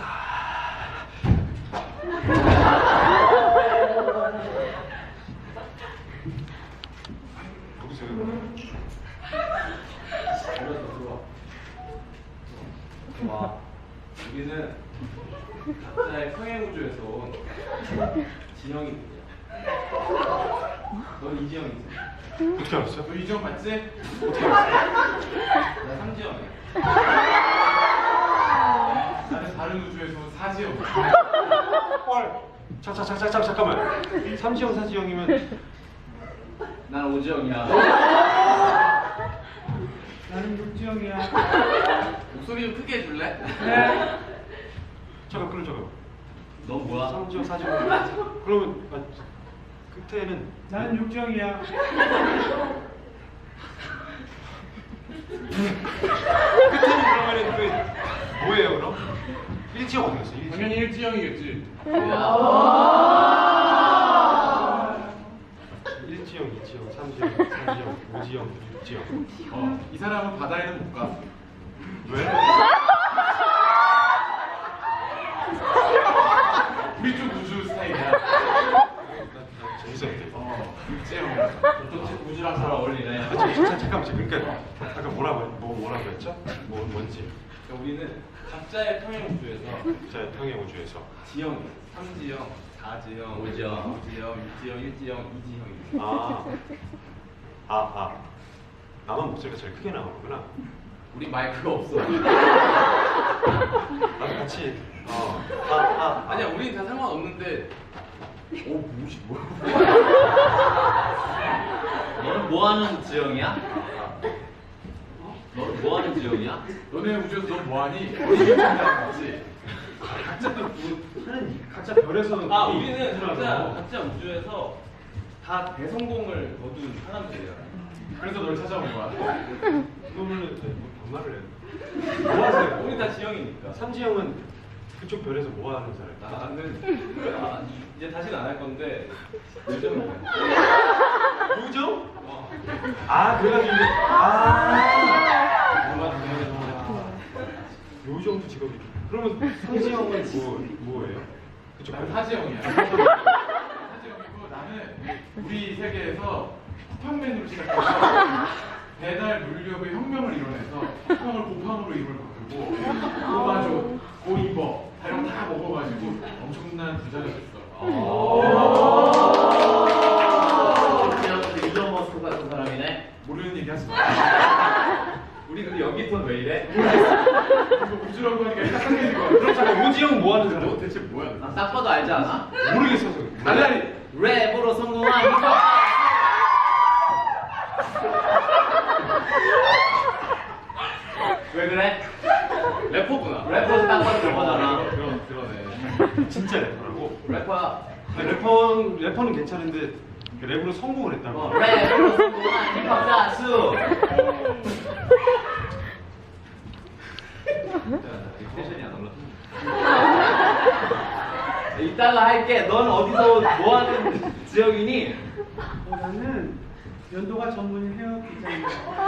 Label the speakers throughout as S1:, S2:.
S1: 와, 여기는 각자의 평행우주에서 온 지형이군요. 넌 이지형이지?
S2: 어떻게 알았어?
S1: 너 이지형 봤지? 어떻게 알았어? 나 삼지형이야. 나는 다른 우주에서 온 사지형.
S2: 헐. 잠깐만. 삼지형 사지형이면
S1: 난 오지형이야.
S3: 나는 육지형이야.
S1: 목소리 좀 크게 해줄래?
S3: 네.
S2: 잠깐 끊어줘.
S1: 너 뭐야?
S2: 삼지형 사지형. 그러면 끝에는
S3: 나는 육지형이야.
S2: 끝에는 그러면은 그 뭐예요 그럼? 일지형 어디 갔어? 일지형.
S1: 당연히 일지형이겠지.
S2: 일지형, 이지형, 삼지형, 사지형, 오지형, 육지형.
S1: 이 사람은 바다에는 못 가.
S2: 왜?
S1: 우리 쪽 우주 스타일이야.
S2: 나 재밌었대.
S1: 육지형. 또 우주랑 잘 어울리네.
S2: 잠깐만. 그러니까 아까 뭐라고 했죠? 뭔지.
S1: 우리는 각자의 평행우주에서
S2: 자, 평행우주에서.
S1: 지형이 3지형, 4지형, 5지형, 6지형, 1지형, 2지형이죠.
S2: 나만 목소리가 제일 크게 나오는구나.
S1: 우리 마이크가 없어.
S2: 나도 같이.
S1: 아니야, 우린 다 상관없는데. 오, 뭐야?
S4: 너는 뭐하는 지형이야? 너는 뭐하는 지형이야?
S1: 너네 우주에서 너 뭐하니? 우리 이형이랑 같이.
S2: 각자 별에서.
S1: 우리는 각자 우주에서 다 대성공을 거둔 사람들이야. 그래서 널 찾아온 거야.
S2: 그러면은 반말을 해. 뭐 하세요?
S1: 우리 다 지형이니까.
S2: 삼지형은 그쪽 별에서 뭐 하는 사람?
S1: 나는 이제 다시는 안 할 건데 요즘은
S2: 요정? 그래가지고 요정도 직업이. 그러면 삼지형은 뭐예요? 그쪽
S1: 나는
S2: 별.
S1: 사지형이야. 사지형이고 나는 우리 세계에서 쿠팡맨으로 시작해서 배달 물류의 혁명을 이뤄내서 쿠팡을 고팡으로 이름을 바꾸고 고마조, 고이버 이런 거 다 먹어가지고 엄청난 부자가 됐어.
S4: 일론 머스크 같은 사람이네.
S1: 모르는 얘기 하지 마.
S4: 우리 근데 여기 톤 왜 이래?
S1: 이거 우주라고 하니까 헷갈리는 거야.
S2: 그럼 잠깐 오지형 뭐 하는 사람?
S1: 너 대체 뭐야?
S4: 나 딱 봐도 알지 않아?
S2: 모르겠어서.
S1: 달라리.
S4: 랩으로 성공한 힙합. 왜 그래?
S1: 래퍼구나.
S4: 래퍼도 딱 봐도 저거잖아.
S1: 그러네.
S2: 진짜 래퍼라고.
S4: 래퍼야.
S2: 래퍼는 괜찮은데 랩으로 성공을 했다고.
S4: 랩으로 성공한 힙합 가수.
S1: 텐션이 안 올라.
S4: 이따가 할게. 넌 어디서 뭐 하는 지역이니?
S3: 나는 연도가 전문인 헤어 디자이너.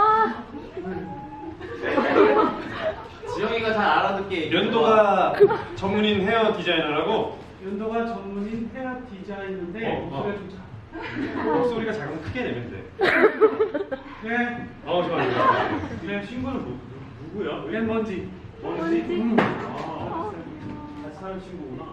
S4: 지영이가 잘 알아듣게 얘기해.
S2: 연도가 전문인 헤어 디자이너라고.
S3: 연도가 전문인 헤어 디자이너인데 목소리가 좀 작아.
S2: 목소리가 작으면 크게 내면 돼.
S3: 네.
S2: 좋아요.
S3: 네, 친구는
S2: 누구야?
S3: 왜 먼지?
S2: 뭔지?
S3: 같이 사는 친구구나.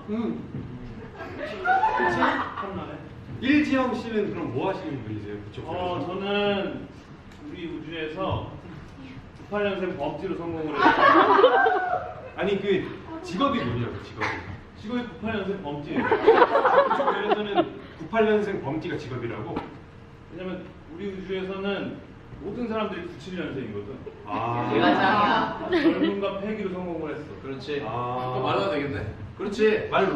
S3: 그치? 탐나네.
S2: 일지영 씨는 그럼 뭐 하시는 분이세요? 그쪽 별에서?
S5: 저는 우리 우주에서 98년생 범죄로 성공을 했어요.
S2: 아니 그 직업이 뭐냐고 직업이.
S5: 직업이 98년생 범죄예요.
S2: 그쪽 별에서는 98년생 범띠가 직업이라고?
S5: 왜냐면 우리 우주에서는 모든 사람들이 97년생이거든.
S4: 내가 짱이야.
S5: 젊음과 패기로 성공을 했어.
S1: 그렇지.
S2: 아.
S1: 또 말해도 되겠네. 그렇지.
S2: 말로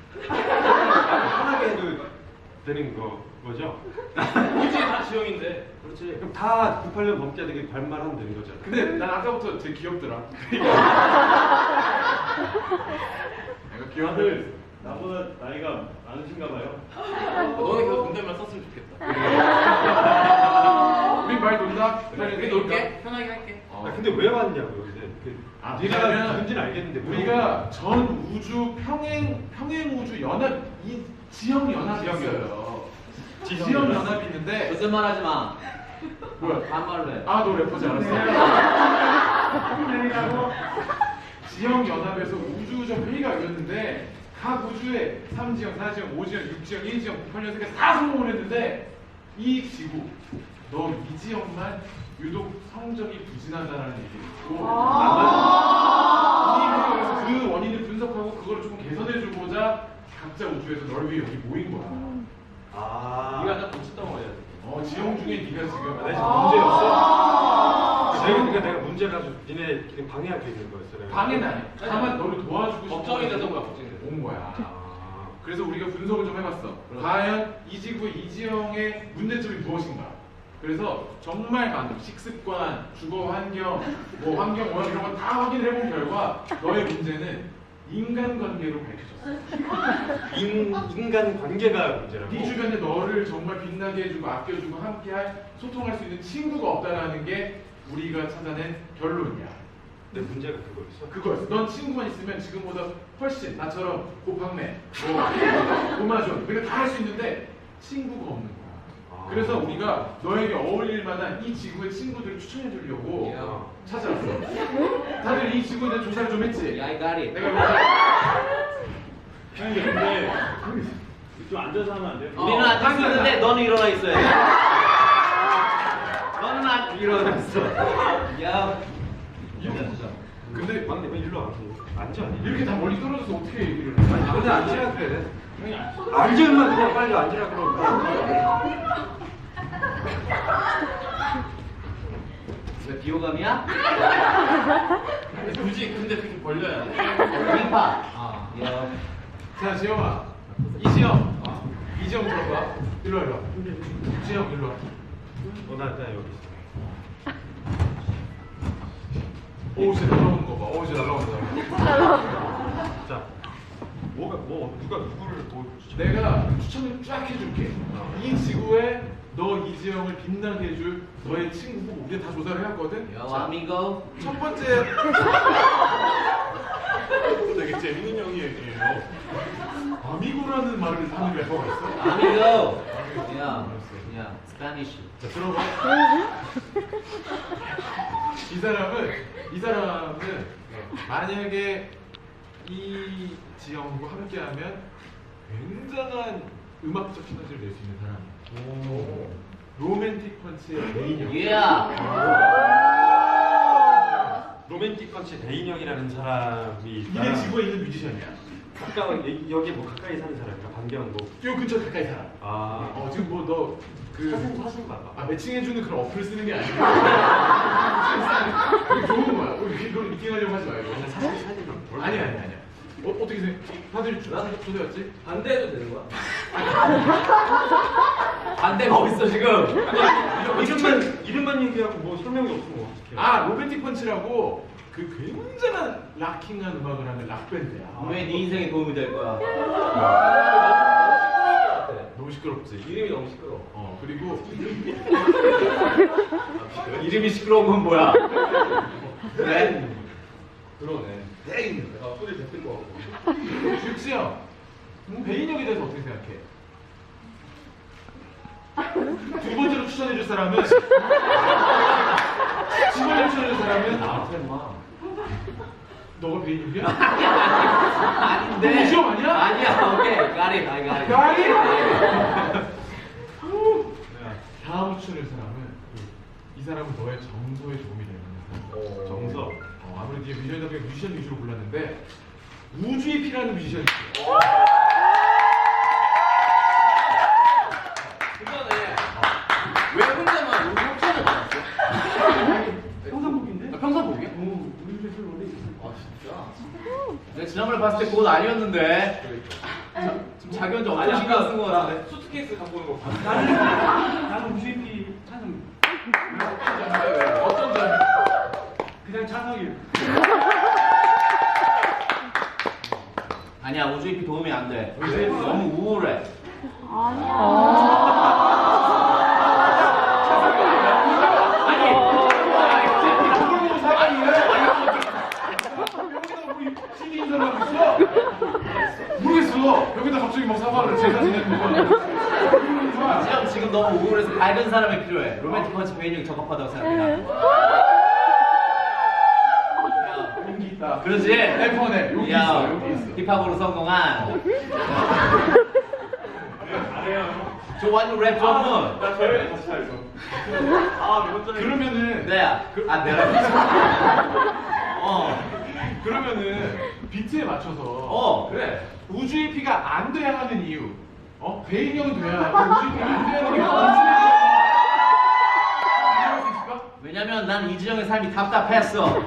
S2: 편하게 해도 되는 거죠?
S1: 굳이 다 지형인데. 그렇지.
S2: 그럼 다 98년 범띠가 되게 발말하면 되는 거잖아.
S1: 근데 난 아까부터 되게 귀엽더라. 내가 귀여운데.
S5: 다들 나보다 나이가 많으신가 봐요.
S1: 너는 계속 존댓말 썼으면 좋겠다. 우리 말 논다. 우리 놀게. 편하게 할게.
S2: 근데 왜 왔냐고요? 근데
S1: 아,
S2: 네가
S1: 왜냐면
S2: 누군지는 알겠는데
S1: 우리가 전 우주 평행 우주 연합 이 지형 연합이 있어요. 지형 연합이 있는데
S4: 무슨 말 하지 마.
S1: 뭐야?
S4: 반말로 해.
S1: 아, 너 래퍼지 않았어?
S3: 내리라고.
S1: 지형 연합에서 우주적 회의가 열렸는데 각 우주에 3지형, 4지형, 5지형, 6지형, 1지형, 98년생까지 다 성공을 했는데 이 지구 너 이 지형만 유독 성적이 부진하다라는 얘기를 듣고 이 회의에서 그 원인을 분석하고 그걸 조금 개선해주고자 각자 우주에서 널 위해 여기 모인 거야.
S2: 아
S4: 네가 나 고치덩어리야.
S1: 지형 중에 네가 지금
S2: 나 지금 문제였어? 그러니까 내가 문제를 가지고 니네끼리 방해할 게 있는 거였어 내가.
S1: 방해는 아니야. 다만 너를 도와주고 싶어.
S4: 걱정이 돼서 거야, 걱정이 돼서.
S1: 온 거야.
S2: 아,
S1: 그래서 우리가 분석을 좀 해봤어. 과연 이 지구의 이 지형의 문제점이 무엇인가? 그래서 정말 많은 식습관, 주거 환경, 뭐 환경 오염 이런 거 다 확인을 해본 결과 너의 문제는 인간관계로 밝혀졌어.
S2: 인간 관계가 문제라고.
S1: 네 주변에 너를 정말 빛나게 해주고 아껴주고 함께할 소통할 수 있는 친구가 없다라는 게 우리가 찾아낸 결론이야.
S2: 내 문제가 그거였어.
S1: 그거였어. 넌 친구만 있으면 지금보다 훨씬 나처럼 고팡매, 고마존 우리가 다 할 수 있는데 친구가 없는 거야. 그래서 우리가 너에게 어울릴 만한 이 지구의 친구들을 추천해 주려고 찾아왔어. 다들 이 지구에 대한 조사를 좀 했지?
S4: 야, 이 가리.
S1: 내가
S5: 형님 근데 좀 앉아서 하면 안 돼요?
S4: 우리는 앉아 있는데 너는 일어나 있어야 돼. 너는 안 일어나 있어. 야.
S1: 근데
S2: 막내 왜 일로 안 앉아?
S1: 이렇게 다 멀리 떨어져서 어떻게 얘기를 해?
S2: 아니 근데 앉으라 그래.
S5: 형이
S2: 앉으면 그냥 빨리 앉으라 그러고.
S4: 왜 비호감이야?
S1: 굳이 근데 그렇게 벌려야 돼.
S4: 림파. 아, 야.
S1: 자, 지영아. 이지영. 이지영 들어봐. 일로 와, 일로 와. 지영, 일로 와.
S2: 나 여기 있어.
S1: 오, 진짜 날라오는 거 봐. 오, 진짜 날라온다.
S2: 자, 누가 누구를 도와주지?
S1: 내가 추천을 쫙 해줄게. 이 지구에 너 이지영을 빛나게 해줄 너의 친구 후보 우리가 다 조사를 해왔거든.
S4: 야, 아미고.
S1: 첫 번째 되게 재밌는 형이에요. 아미고라는 말을 하는 래퍼가 있어.
S4: 아미고. 야, 야, 스파니쉬.
S1: 자, 들어봐. 이 사람은 만약에 이 지영과 함께하면 굉장한 음악적 시너지를 낼 수 있는 사람이야. 로맨틱 펀치의 메인이야.
S4: 야.
S2: 로맨틱 펀치 대인형이라는 사람이
S1: 이게 지구에 있는 뮤지션이야.
S2: 가까이 여기 뭐 가까이 사는 사람인가? 반경 뭐.
S1: 요 근처 가까이 살아.
S2: 아.
S1: 지금 뭐 너 그
S2: 사진 봐봐.
S1: 매칭해주는 그런 어플 쓰는 게 아니고 되게 좋은 거야. 우리 그걸 미팅하려고 하지 말고.
S2: 사진
S1: 아니야. 어떻게 생각해? 다들 조대였지?
S4: 반대해도 되는 거야? 반대가 어딨어 지금?
S2: 이름만 얘기하고 뭐 설명이 없으면 어떡해?
S1: 로맨틱 펀치라고 그 굉장한 락킹한 음악을 하는 락밴드야.
S4: 왜 네 인생에 도움이 될 거야?
S1: 너무 시끄럽지?
S4: 이름이 너무 시끄러.
S1: 그리고
S4: 이름이 시끄러운 건 뭐야? 그래?
S1: 그러네.
S4: 소리 됐을 거 같고.
S1: 육지영, 배인혁에 대해서 어떻게 생각해? 두 번째로 추천해줄 사람은 두 번째로 추천해줄 사람은
S4: 나한테 마.
S1: 너가 배인혁이야?
S4: 아닌데.
S1: 너 시험 아니야?
S4: 아니야. 오케이. 가리.
S1: 가리? 다음 추천해줄 사람은 이 사람은 너의 정서에 도움이 되는 사람.
S2: 정서.
S1: 아무래도 이게 뮤지션 위주로 골랐는데 우주에 필요한 뮤지션이 있어.
S4: 그전에 왜 혼자만 우리 협찬을 받았어?
S3: 평상복인데?
S4: 평상복이야?
S3: 우리 집에 술 원래 있어.
S4: 아 진짜? 내가 지난번에 봤을 때 그건 아니었는데. 지금 자기 혼자 엄청 신경 쓴거 같은데. 수트케이스 갖고 오는 거 봤어.
S3: 나는 우주입이 찬성.
S1: 어떤 점이?
S3: 그냥 찬성이에요.
S4: 아니야 우주잎이 도움이 안 돼. 너무 우울해.
S1: 전화하고 있어? 모르겠어. 여기다 갑자기 막 사과를 제가 지내는 거야.
S4: 지금 지금 너무 우울해서 밝은 사람이 필요해. 로맨틱 펀치 베인이 적합하다고 생각해.
S1: 용기 있다.
S4: 그러지?
S1: 내 폰에 용기
S4: 야,
S1: 있어. 용기 있어.
S4: 힙합으로 성공한
S5: 잘해요.
S4: 조완 랩 전문.
S5: 나 저희랑 같이 살죠. 아, 이번 전에.
S1: 그러면은
S4: 내가 내가
S1: 그러면은 비트에 맞춰서
S4: 그래.
S1: 우주의 피가 안 돼야 하는 이유. 베인 형이 돼야 하고 우주의 피가 안 돼야 하는 이유. 이해할 수 있을까?
S4: 왜냐면 난 이지영의 삶이 답답했어.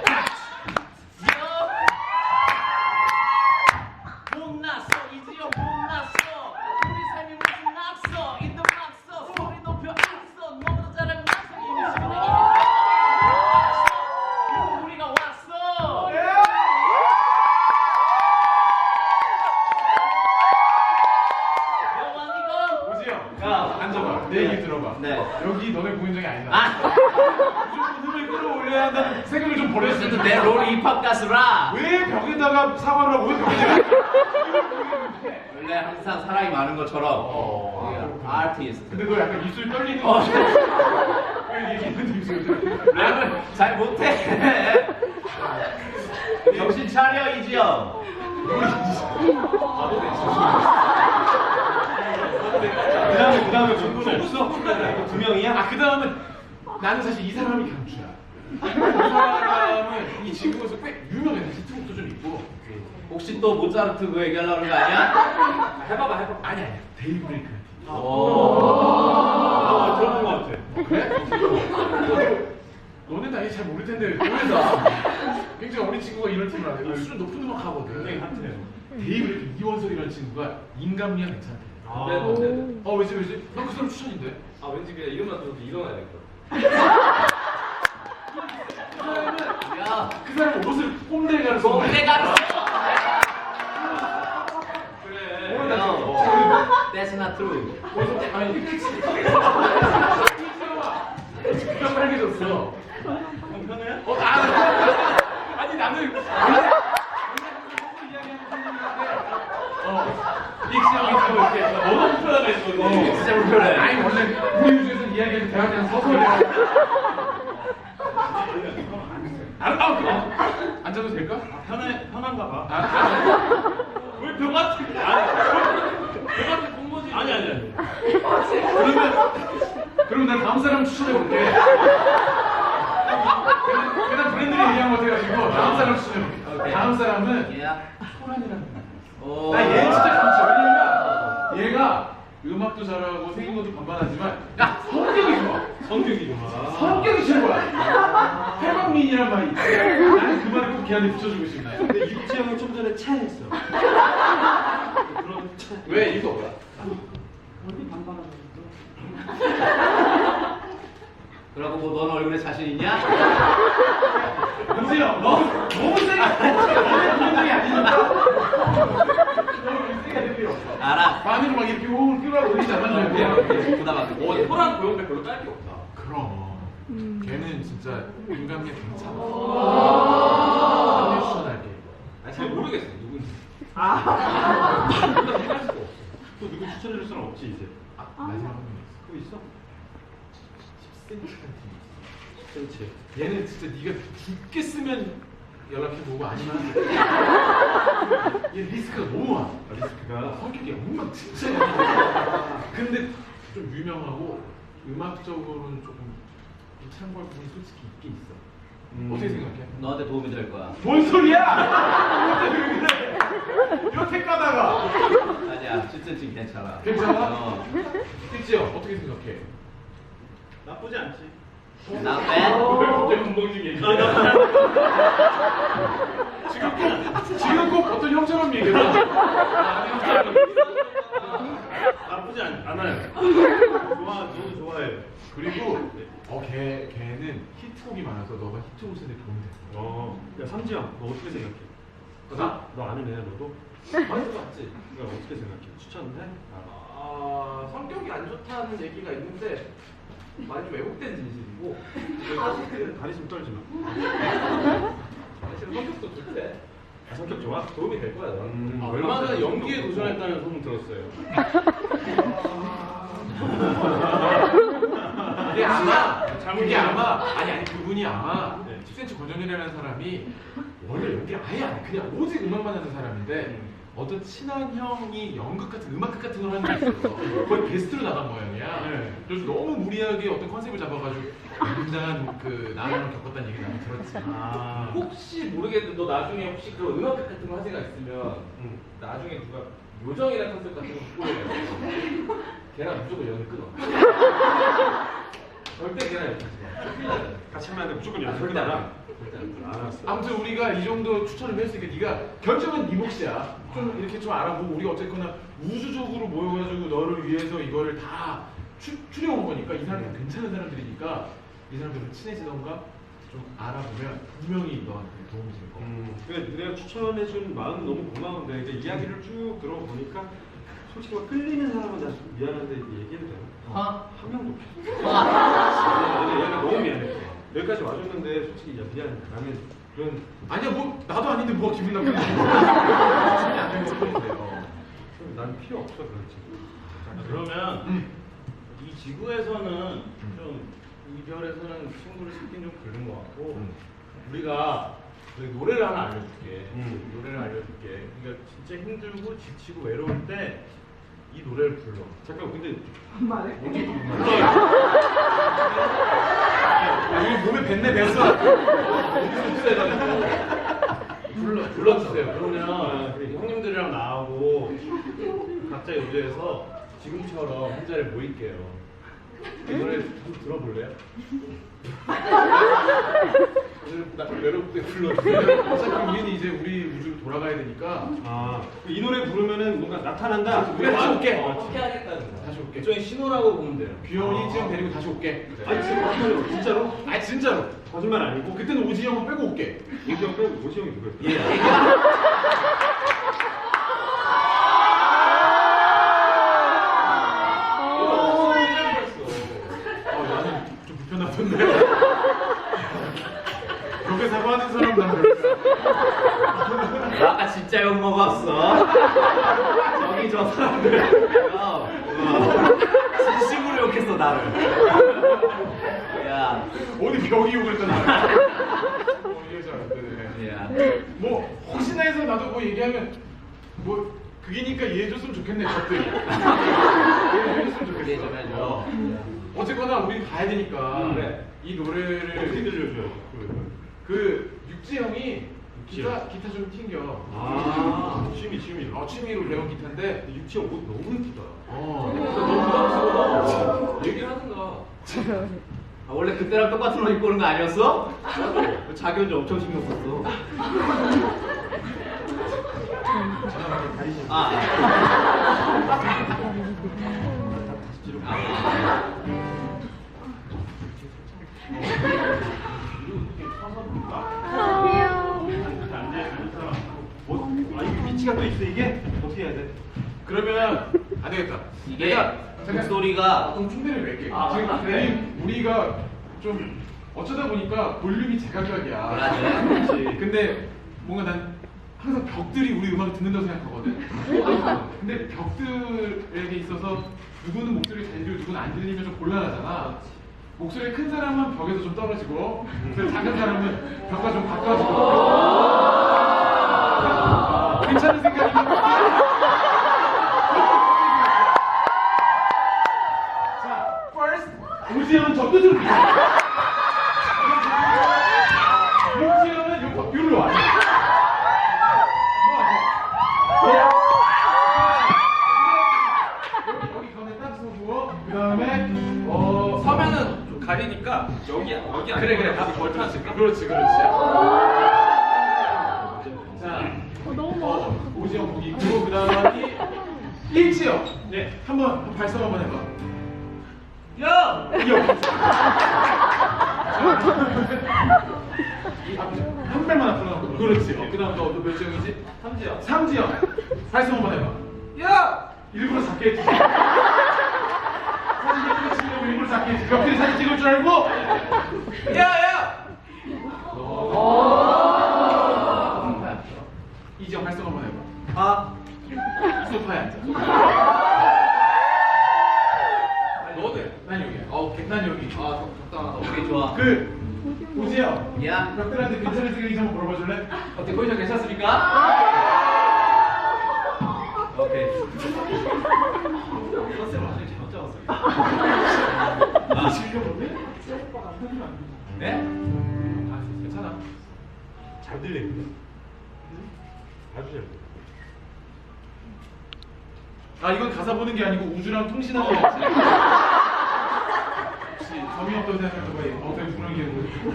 S4: 못났어 이지영 못났어. 우리 삶이 무슨 낙서 인도 낙서 소리 높여 앞서 너보다 잘하면 낙서 이미 시간에 그래서 우리가 왔어. 영원이고
S1: 오지 형.
S4: 야,
S1: 앉아봐. 내 얘기 들어봐.
S4: 네.
S1: 여기 너네 공연장이 아니다.
S4: 아
S1: 무조건 힘을 끌어올려야 한다는 생각을 좀 버렸어.
S4: 어쨌든 내 롤이 힙합 가수라.
S1: 왜 벽에다가 사과를 하고 왜 벽에다가
S4: 원래 항상 사랑이 많은 것처럼 아티스트.
S1: 근데 너 약간 입술 떨리는
S4: 어.
S1: 거 왜 얘기했는데 입술 떨려?
S4: 랩을 잘 못해. 정신 차려 이지영.
S2: 그 다음에 전부는 없어? 두 명이야?
S1: 그 다음은 나는 사실 이 사람이 강추야. 이 사람은 이 친구에서 꽤 유명해. 히트곡도 좀 있고.
S4: 혹시 또 모차르트 그거 얘기하려고 그런 거 아니야?
S1: 해봐봐. 아니야. 데이브레이크.
S2: 들어본 것 같아.
S1: 그래? 너네 나이 잘 모를 텐데 노래다. 굉장히 어린 친구가 이런 팀을 하네. 수준 높은 음악 하거든.
S2: 굉장히 핫해요.
S1: 데이브레이크 이원석이라는 친구가 인간미가 괜찮대.
S2: 아.
S1: 왜지? 난 그 사람 추천인데.
S5: 아, 왠지 그냥 이름만 들어도 일어나야겠다.
S4: 야,
S1: 그 사람 옷을 꼼데가로 써.
S4: 내가
S5: 그래.
S4: That's not true.
S1: 아니, 귀가 빨개졌어.
S2: 형 편해요?
S1: 아니 나는 릭시형이 이렇게
S5: 너무 불편하다 했어.
S4: 진짜 불편해.
S1: 아니 원래 우리 우주에서 이야기하는 대화는 서서야. 앉아도 될까?
S2: 편한가 봐.
S5: 왜 벽같은 벽같은 공모지. 아니.
S1: 그럼 난 다음 사람 추천해볼게. 그냥 브랜드를 얘기한 것 해가지고 다음 사람 추천해볼게.
S4: 오케이.
S1: 다음 사람은
S4: 야.
S1: 소란이라는 사람.
S4: 오.
S1: 나 얘 진짜 강추. 왜냐면 얘가 음악도 잘하고 생긴 것도 반반하지만 야 성격이 좋아.
S2: 성격이 좋아.
S1: 성격이 최고야. 해방민이란 말이 있지. 나는 그 말을 꼭 걔한테 붙여주고 싶나.
S2: 근데 유치 형은 좀 전에 차했어. 그런 차.
S1: 왜 이거 뭐야?
S3: 어디 반반하고
S4: 그러고 뭐 너는 얼굴에 자신 있냐?
S1: 은지야, 너무 세게 너는 감정이 아니니까. 너무 세게 할 필요 없어.
S4: 알아.
S1: 반으로 막 이렇게 호흡을 끌어올리지 않았는데.
S4: 부담 안 돼.
S5: 호랑 고용배 별로 딸 게 없다.
S1: 그럼 걔는 진짜 인간미 괜찮아. 추천할게.
S5: 아니, 잘 모르겠어 누군지.
S2: 또 누구 추천해줄 사람 없지 이제.
S1: 마지막 한 명.
S2: 또 있어?
S1: 10cm.
S2: 10cm.
S1: 얘는 진짜 네가 죽겠으면 연락해보고 아니면 얘 리스크가 너무 많아.
S2: 리스크가.
S1: 성격이 엉망 진짜 야 근데 좀 유명하고 음악적으로는 조금 좀 참고할 부분이 솔직히 있긴 있어. 어떻게 생각해?
S4: 너한테 도움이 될 거야.
S1: 뭔 소리야? 왜 그래? 이렇게 까다가
S4: 아니야, 10cm 괜찮아.
S1: 괜찮아? 택지 형 어떻게 생각해?
S2: 나쁘지 않지.
S4: 나
S5: 왜
S4: 빼?
S5: 갑자기 건방지게 얘기해?
S1: 지금 꼭 어떤 형처럼 얘기해봐.
S2: 나쁘지 않아요. 저도 좋아해요.
S1: 그리고 걔는 히트곡이 많아서 너가 히트곡에 도움이 돼.
S2: 야 삼지영, 너 어떻게 생각해?
S1: 나?
S2: 너 아는 애야 너도?
S1: 많이 들어봤지?
S2: 너 어떻게 생각해? 추천해?
S5: 성격이 안 좋다는 얘기가 있는데 많이 좀 왜곡된 진실이고
S2: 다리 좀 떨지 마.
S5: 사실은 성격도 좋대.
S2: 성격 좋아? 도움이 될 거야.
S5: 얼마 전에 연기에 도전했다는 소문 들었어요.
S1: 그게 아마 아니 그분이 아마
S2: 네.
S1: 10cm 권정열이라는 사람이 원래 연기를 아예 안 해. 그냥 오직 음악만 하는 사람인데 어떤 친한 형이 연극 같은 음악극 같은 걸 하는 게 있어. 거의 게스트로 나간 모양이야.
S2: 네.
S1: 그래서 너무 무리하게 어떤 컨셉을 잡아가지고 굉장한 그 나랑 겪었다는 얘기 나는 들었지.
S2: 아.
S5: 혹시 모르겠는데 너 나중에 혹시 그 음악 같은 거 할 생각 있으면 나중에 누가 요정이라는 컨셉 같은 거 꾸려요. 걔랑 무조건 연을 끊어. 절대 걔랑 연을 끊어.
S2: 같이 하면 안 돼. 무조건 연습
S5: 절대 안
S2: 끝나라.
S5: 해. 절대 안 해.
S2: 알았어.
S1: 아무튼 우리가 이 정도 추천을 했으니까 네가 결정은 네 몫이야. 좀 이렇게 좀 알아보고 우리가 어쨌거나 우주적으로 모여가지고 너를 위해서 이거를 다 추려온 거니까 이 사람이 괜찮은 사람들이니까 이 사람들을 친해지던가 좀 알아보면 분명히 너한테 도움이 될 거야.
S2: 그래, 내가 추천해준 마음 너무 고마운데 이제 이야기를 쭉 들어보니까 솔직히 막 끌리는 사람은 나 좀 미안한데 얘기해도 되나? 한 명도 없어. 얘가 너무 미안해. 여기까지 와줬는데 솔직히 야 미안. 나는 그런
S1: 아니야 뭐 나도 아닌데 뭐가 기분 나쁘지? 추천이 안 되는 것뿐인데요.
S2: 난 필요 없어 그런 친구.
S5: 그러면 이 지구에서는 좀 이별에서는 친구를 찾긴 좀 그런 것 같고 우리가 노래를 하나 알려줄게. 노래를 알려줄게. 그러니까 진짜 힘들고 지치고 외로울 때 이 노래를 불러.
S2: 잠깐 근데
S5: 언제
S1: 여기 몸에 뱉네 뱉어.
S5: 불러주세요. 그러면 형님들이랑 나하고 각자 요제에서 지금처럼 한 자리에 모일게요. 이 노래 한번 들어볼래요? 나 외로울 때 불러주세요.
S1: 어차피 우리는 이제 우리 우주로 돌아가야 되니까
S2: 이 노래 부르면은 뭔가 나타난다.
S1: 그래 다시 올게.
S5: 어떻게 하겠다는 거야?
S1: 다시 올게.
S5: 일종의 신호라고 보면 돼요.
S1: 귀여운 이지영 데리고 다시 올게.
S2: 아니 지금 진짜로?
S1: 아 진짜로.
S2: 거짓말 아니고
S1: 그때는 오지 형은 빼고 올게.
S2: 오지영 빼고 오지영이 누구야?
S5: 예.
S1: 나는 좀 불편하던데. 그렇게 사과하는 사람 난 별로야.
S4: 아까 진짜 욕 먹었어. 저기 저 사람들. 진심으로 욕했어 나를. 야,
S1: 어디 벽이 욕을 했잖아. 이게 잘안 되네.
S4: 야.
S1: 뭐 혹시나 해서 나도 뭐 얘기하면 뭐 그게니까 이해해줬으면 좋겠네 저들. 이해해줬으면 좋겠어.
S4: 이해 좀 해줘.
S1: 어쨌거나 우린 가야 되니까
S2: 그래.
S1: 이 노래를
S2: 어떻게 들려줘요?
S1: 그 육지 형이 기타 좀 튕겨.
S2: 취미로.
S1: 취미로 배운 기타인데
S2: 육지영 옷 너무 예쁘다.
S5: 너무 부담스러워. 얘기를 하든가.
S4: 아, 원래 그때랑 똑같은 옷 입고 오는 거 아니었어? 자기 혼자 엄청 신경 썼어.
S2: 이게 위치가 또 있어 이게? 어떻게 해야 돼?
S1: 그러면 안 되겠다.
S4: 이게
S1: 내가
S4: 목소리가
S1: 그럼 충대를 낼게.
S4: 아,
S1: 지금
S4: 그래.
S1: 우리가 좀 어쩌다 보니까 볼륨이 제각각이야.
S4: 그래.
S1: 그렇지. 근데 뭔가 난 항상 벽들이 우리 음악을 듣는다고 생각하거든. 근데 벽들에게 있어서 누구는 목소리 잘 들리고 누구는 안 들리면 좀 곤란하잖아. 목소리 큰 사람은 벽에서 좀 떨어지고, 목소리 작은 사람은 벽과 좀 가까워지고. 괜찮은 생각이니까. 자, first 오지영은 저 끝으로 가. 오지영은 여기로 와. 여기 가운데 딱 서고 그다음에
S5: 서면은 좀 가리니까 여기 안
S1: 그래
S5: 답이 걸터 놨을까?
S1: 그렇지. 자, 오지영 거기 있고 그다음에 일지영. 네, 한번 발성 한번 해봐.
S5: 야!
S1: 한 발만 앞으로 나오고. 그렇지. 그다음 너몇 지영이지?
S5: 삼지야.
S1: 삼지영. 발성 한번 해봐.
S5: 야!
S1: 일부러 작게 해주지. 사진 찍으려고 일부러 작게 해주지. 벽들이 사진 찍을 줄 알고.
S5: 야!
S1: 소파에 앉아. 너네. 난 여기야. 오케이. 난 여기.
S4: 적당하다. 오케이, 좋아.
S1: 오지영.
S4: 야.
S1: 벽들한테 괜찮은 생각인지 한번 물어봐줄래?
S4: 어때, 포지션 괜찮습니까? 오케이.
S2: 컨셉 완전히 잘못 잡았어요.
S1: 즐겨볼래?
S4: 네?
S1: 괜찮아.
S2: 잘 들리는데? 아주 잘 들려.
S1: 이건 가사 보는 게 아니고 우주랑 통신하는 거지. 혹시 점이 어떤 생각을 왜 어떤 분위기에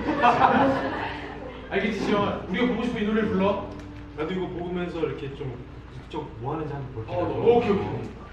S1: 알겠지, 지영아? 우리가 보고 싶은 이 노래를 불러.
S2: 나도 이거 보면서 이렇게 좀 뭐 하는지 한번 볼게요.
S1: 오케이.